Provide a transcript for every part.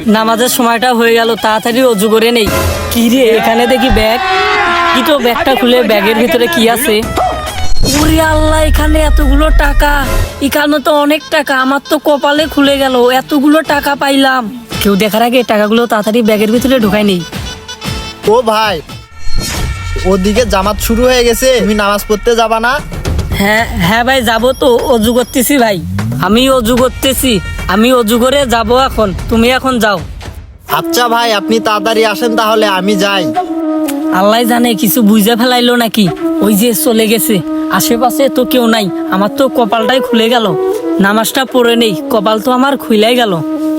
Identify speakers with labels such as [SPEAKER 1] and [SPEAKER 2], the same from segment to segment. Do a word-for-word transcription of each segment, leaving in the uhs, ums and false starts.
[SPEAKER 1] নামাজের সময়টা হয়ে গেল, তাড়াতাড়ি অজু করে নেই। কি রে, এখানে দেখি ব্যাগ। কি তো, ব্যাগটা খুলে ব্যাগের ভিতরে কি আছে? ওরে আল্লাহ, এখানে এতগুলো টাকা! এখানে তো অনেক টাকা, আমার তো কপালে খুলে গেল, এতগুলো টাকা পাইলাম। কেউ দেখার আগে টাকাগুলো তাড়াতাড়ি ব্যাগের ভিতরে ঢুকাই নেই।
[SPEAKER 2] ও ভাই, ওদিকে জামাত শুরু হয়ে গেছে, তুমি নামাজ পড়তে যাবা না?
[SPEAKER 1] হ্যাঁ হ্যাঁ ভাই, যাবো তো, অজু করতেছি ভাই। আমি অজু করতেছি, আমি অজু করে যাবো এখন, তুমি এখন যাও।
[SPEAKER 2] আচ্ছা ভাই, আপনি তাড়াতাড়ি আসেন তাহলে, আমি যাই।
[SPEAKER 1] আল্লাহ জানে কিছু বুঝে ফেলাইলো নাকি, ওই যে চলে গেছে। আশেপাশে তো কেউ নাই, আমার তো কপালটাই খুলে গেল। নামাজটা পড়ে নেই, কপাল তো আমার খুইলাই গেল।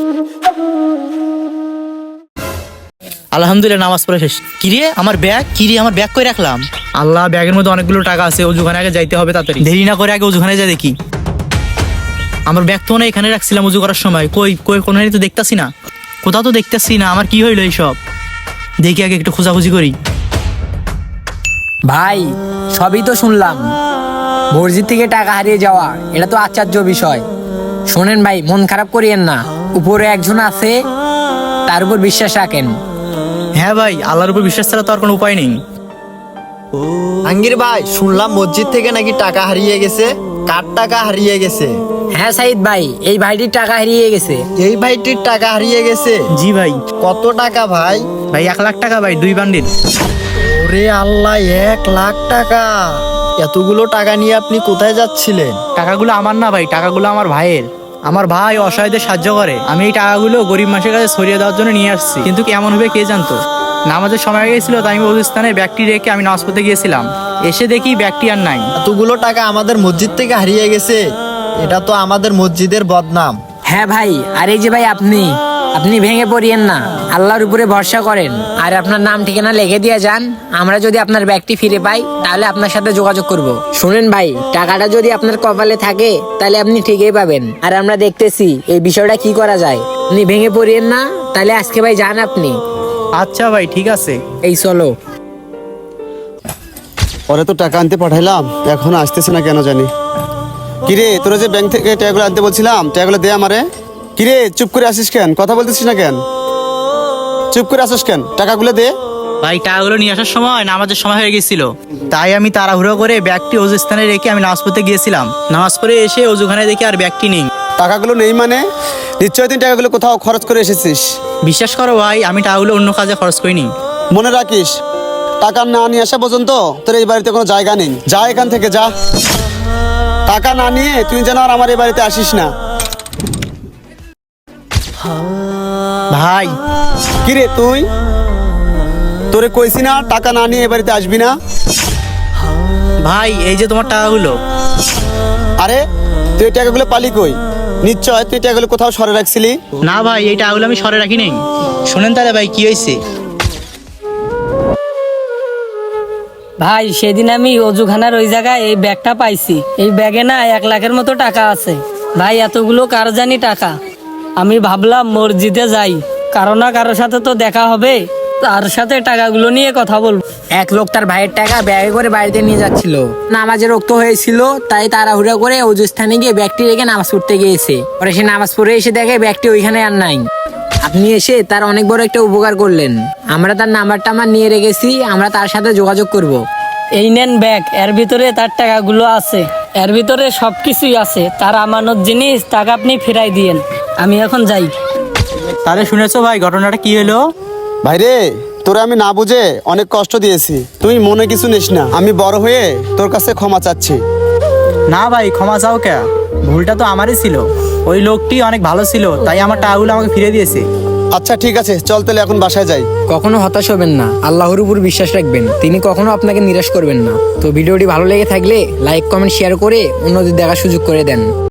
[SPEAKER 3] আলহামদুলিল্লাহ, নামাজ পড়ে শেষ। কিরে আমার ব্যাগ, কিরে আমার ব্যাগ কই রাখলাম? আল্লাহ, ব্যাগের মধ্যে অনেকগুলো টাকা আছে, অজুখানে আগে যাইতে হবে, তাড়াতাড়ি দেরি না করে আগে অজুখানে যাই দেখি। আমার ব্যাগ তো না এখানে রাখছিলাম অজু করার সময়, কই কই কোনো তো দেখতাছি না, কোথাও তো দেখতাছি না। আমার কি হইলো এইসব? দেখি আগে একটু খোঁজাখুঁজি করি।
[SPEAKER 4] ভাই, সবই তো শুনলাম, মসজিদ থেকে টাকা হারিয়ে যাওয়া এটা তো আশ্চর্য বিষয়। শোনেন ভাই, মন খারাপ করিয়েন না, উপরে একজন আছে, তার উপর বিশ্বাস রাখেন।
[SPEAKER 3] হ্যাঁ ভাই, আল্লাহর উপর বিশ্বাস ছাড়া তো আর কোনো উপায় নেই।
[SPEAKER 2] আঙ্গির ভাই, শুনলাম মসজিদ থেকে নাকি টাকা হারিয়ে গেছে। কার টাকা হারিয়ে গেছে?
[SPEAKER 4] হ্যাঁ সাইদ ভাই, এই ভাইটির টাকা হারিয়ে গেছে।
[SPEAKER 2] এই ভাইটির টাকা হারিয়ে গেছে?
[SPEAKER 3] জি ভাই।
[SPEAKER 2] কত টাকা ভাই?
[SPEAKER 3] ভাই এক লাখ টাকা ভাই, দুই বান্ডিল।
[SPEAKER 2] ওরে আল্লাহ, এক লাখ টাকা! এতগুলো টাকা নিয়ে আপনি কোথায় যাচ্ছিলেন?
[SPEAKER 3] টাকাগুলো আমার না ভাই, টাকাগুলো আমার ভাইয়ের। আমার ভাই অসহায়দের সাহায্য করে, আমি এই টাকাগুলো গরিব মানুষের কাছে ছড়িয়ে দেওয়ার জন্য নিয়ে আসছি। কিন্তু কেমন হবে কে জানতো। নামাজের সময় হয়ে গেছিল, তাই আমি ওই স্থানে ব্যাগটি রেখে আমি নামাজ পড়তে গিয়েছিলাম। এসে দেখি ব্যাগটি আর নাই।
[SPEAKER 2] এতগুলো টাকা আমাদের মসজিদ থেকে হারিয়ে গেছে, এটা তো আমাদের মসজিদের বদনাম।
[SPEAKER 4] হ্যাঁ ভাই, আর এই যে ভাই আপনি আপনি ভেঙে পড়িয়েন না, আল্লাহর উপরে ভরসা করেন, আর আপনার নাম ঠিকানা লিখে দিয়ে যান। আমরা যদি আপনার ব্যাগটি ফিরে পাই তাহলে আপনার সাথে যোগাযোগ করব। শুনেন ভাই, টাকাটা যদি আপনার কপালে থাকে তাহলে আপনি ঠিকই পাবেন, আর আমরা দেখতেছি এই বিষয়টা কি করা যায়। আপনি ভেঙে পড়িয়েন না, তাহলে আজকে ভাই যান আপনি।
[SPEAKER 3] আচ্ছা ভাই, ঠিক আছে।
[SPEAKER 4] এই চলো।
[SPEAKER 5] পরে তো টাকা আনতে পাঠাইলাম, এখন আসতেছে না কেন জানি। কিরে, তোরা যে ব্যাংক থেকে টাকাগুলো আনতে বলছিলাম, টাকাগুলো দে আমারে। কিরে, চুপ করে আসিস কেন? কথা বলতেছিস না কেন? চুপ করে আসিস কেন? টাকাগুলো দে।
[SPEAKER 3] ভাই, টাকাগুলো নিয়ে আসার সময় নামাজের সময় হয়ে গেছিল, তাই আমি তাড়াহুড়ো করে ব্যাগটি অজু স্থানে রেখে আমি নামাজ পড়তে গিয়েছিলাম। নামাজ পড়ে এসে অজুখানে দেখি আর ব্যাগটি নেই।
[SPEAKER 5] টাকাগুলো নেই মানে? নিশ্চয় তুই টাকাগুলো কোথাও খরচ করে এসেছিস।
[SPEAKER 3] বিশ্বাস করো ভাই, আমি টাকাগুলো অন্য কাজে খরচ করিনি।
[SPEAKER 5] মনে রাখিস, টাকা না নিয়ে আসা পর্যন্ত তোর এই বাড়িতে কোনো জায়গা নেই। যা এখান থেকে, যা। টাকা না নিয়ে তুই যেন আর আমার এই বাড়িতে আসিস না।
[SPEAKER 3] ভাই,
[SPEAKER 5] কিরে তুই, তোরে কইছি না টাকা না নিয়ে এ বাড়িতে আসবি না?
[SPEAKER 3] ভাই এই যে তোমার টাকাগুলো।
[SPEAKER 5] আরে তুই এই টাকাগুলো পালি কই? নিশ্চয় তুই টাকাগুলো কোথাও সরে রাখছিলি।
[SPEAKER 3] না ভাই, এই টাকাগুলো আমি সরে রাখি নাই। শোনেন তাহলে ভাই, কি হয়েছে।
[SPEAKER 1] ভাই, সেদিন আমি অজুখানার ওই জায়গায় এই ব্যাগটা পাইছি। এই ব্যাগে না এক লাখের মতো টাকা আছে। ভাই, এতগুলো কার জানি টাকা। আমি ভাবলাম মসজিদে যাই, কারো না কারোর সাথে তো দেখা হবে, তার সাথে টাকাগুলো নিয়ে কথা বলবো।
[SPEAKER 4] এক লোক তার ভাইয়ের টাকা ব্যাগে করে বাড়িতে নিয়ে যাচ্ছিল। নামাজের রক্ত হয়েছিল, তাই তাড়াহুড়া করে অজু স্থানে গিয়ে ব্যাগটি রেখে নামাজ পড়তে গিয়েছে। পরে সে নামাজ পড়ে এসে দেখে ব্যাগটি ওইখানে আর নাই। আপনি এসে তার অনেক বড় একটা উপকার করলেন। আমরা তার নাম্বারটা আমার নিয়ে রেখেছি, আমরা তার সাথে যোগাযোগ করব।
[SPEAKER 1] এই নেন ব্যাগ, এর ভিতরে তার টাকাগুলো আছে, এর ভিতরে সবকিছুই আছে। তার আমানত জিনিস, টাকা আপনি ফেরাই দিয়েন। আমি এখন যাই।
[SPEAKER 3] তাহলে শুনেছো ভাই, ঘটনাটা কি হলো?
[SPEAKER 5] ভাইরে, তোরে আমি না বুঝে অনেক কষ্ট দিয়েছি, তুই মনে কিছু নিস না। আমি বড় হয়ে তোর কাছে ক্ষমা চাচ্ছি।
[SPEAKER 3] না ভাই, ক্ষমা চাও কে? ভুলটা তো আমারই ছিল। ওই লোকটি অনেক ভালো ছিল, তাই আমার টাকাগুলো আমাকে ফিরে দিয়েছে।
[SPEAKER 5] আচ্ছা ঠিক আছে, চল তাহলে এখন বাসায় যাই।
[SPEAKER 4] কখনো হতাশ হবেন না, আল্লাহর উপর বিশ্বাস রাখবেন, তিনি কখনো আপনাকে নিরাশ করবেন না। তো ভিডিওটি ভালো লেগে থাকলে লাইক কমেন্ট শেয়ার করে অন্যদের দেখার সুযোগ করে দেন।